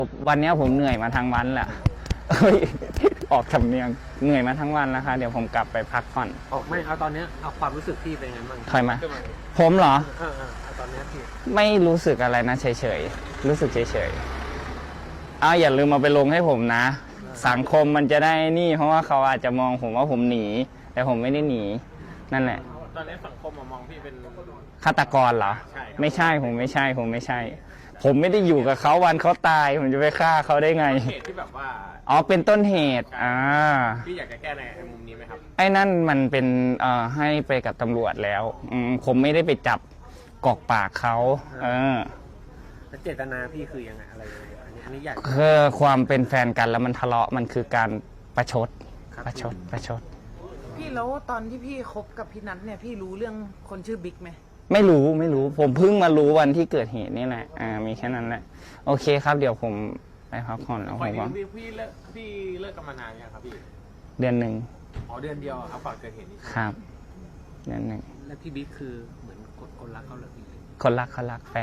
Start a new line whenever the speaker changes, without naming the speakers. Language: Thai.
วันนี้ผมเหนื่อยมาทั้งวันแหละเฮ้ยออกสำเนียงเหนื่อยมาทั้งวันแล้วค่ะเดี๋ยวผมกลับไปพักผ่อน
ไม่เอาตอนเนี้ยเอาความรู้สึกพี่เป็นไงบ้าง
ใครมาผมเหรอ
เอาตอนเนี้ยพี่
ไม่รู้สึกอะไรนะเฉยๆรู้สึกเฉยๆเอาอย่าลืมมาไปลงให้ผมนะ สังคมมันจะได้นี่เพราะว่าเขาอาจจะมองผมว่าผมหนี แต่ผมไม่ได้หนีนั่นแหละ
ตอนนี้สังคมมองพี่เป็น
ฆาตกรเหรอ
ใช่
ไม่ใช่ผมไม่ใช่ ผมไม่ใช่ ผมไม่ได้อยู่กับเขาวันเขาตาย ผมจะไปฆ่าเขาได้ไง
เหตุที่แบบว่า
อ๋อเป็นต้นเหตุ
พี่อยากจะแก้ในมุมนี้ไหมครับ
ไอ้นั่นมันเป็นให้ไปกับตำรวจแล้วผมไม่ได้ไปจับกอกปากเขา
แล้วเจตนาพี่คือยังไงอะไรยังไงอันนี้อยาก
คือความเป็นแฟนกันแล้วมันทะเลาะมันคือการประชด
ครับ
ประชด
พี่แล้วตอนที่พี่คบกับพี่นัทเนี่ยพี่รู้เรื่องคนชื่อบิ๊กไหม
ไม่รู้ผมเพิ่งมารู้วันที่เกิดเหตุนี่แหละมีแค่นั้นแหละโอเคครับเดี๋ยวผมไปพักผ่อนแล้วผมว่า
พี่เลิกกันมานานยังครับพี่
เดือนหนึ่ง
อ๋อเดือนเดียวครับก่อนเกิดเหตุนี้
ครับเดือนหนึ่ง
แล้วพี่บิ๊กคือเหมือนคนรักเขาเลยพี่
คนรักแฟน